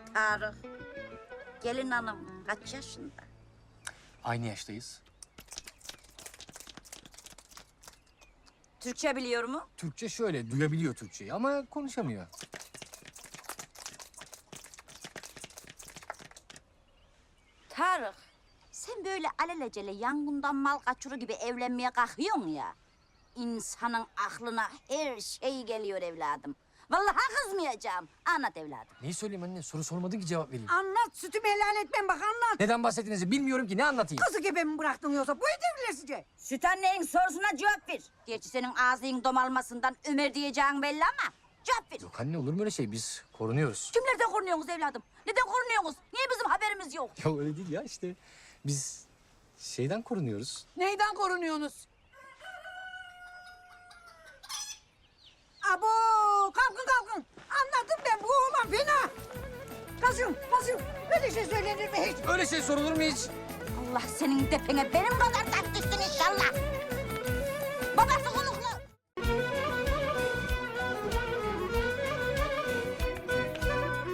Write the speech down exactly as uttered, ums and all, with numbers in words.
Tarık, gelin hanım kaç yaşında? Aynı yaştayız. Türkçe biliyor mu? Türkçe şöyle, duyabiliyor Türkçeyi ama konuşamıyor. Tarık, sen böyle alelacele yangından mal kaçırı gibi evlenmeye kalkıyorsun ya. İnsanın aklına her şey geliyor evladım. Vallahi kızmayacağım. Anlat evladım. Neyi söyleyeyim anne? Soru sormadın ki cevap vereyim. Anlat, sütümü helal etmem bak anlat. Neden bahsettiğinizi bilmiyorum ki, ne anlatayım? Kızı gibi mi bıraktın yoksa bu devrilesice? Süt annenin sorusuna cevap ver. Gerçi senin ağzının domalmasından Ömer diyeceğin belli ama cevap ver. Yok anne, olur mu öyle şey? Biz korunuyoruz. Kimlerden korunuyorsunuz evladım? Neden korunuyorsunuz? Niye bizim haberimiz yok? Ya öyle değil ya işte. Biz şeyden korunuyoruz. Neyden korunuyorsunuz? Abo, kalkın kalkın. Anladım ben, bu oğlan fena. Kasım, kasım. Böyle şey söylenir mi hiç? Öyle şey sorulur mu hiç? Allah senin depene benim kadar tatlısın inşallah. Babası konuk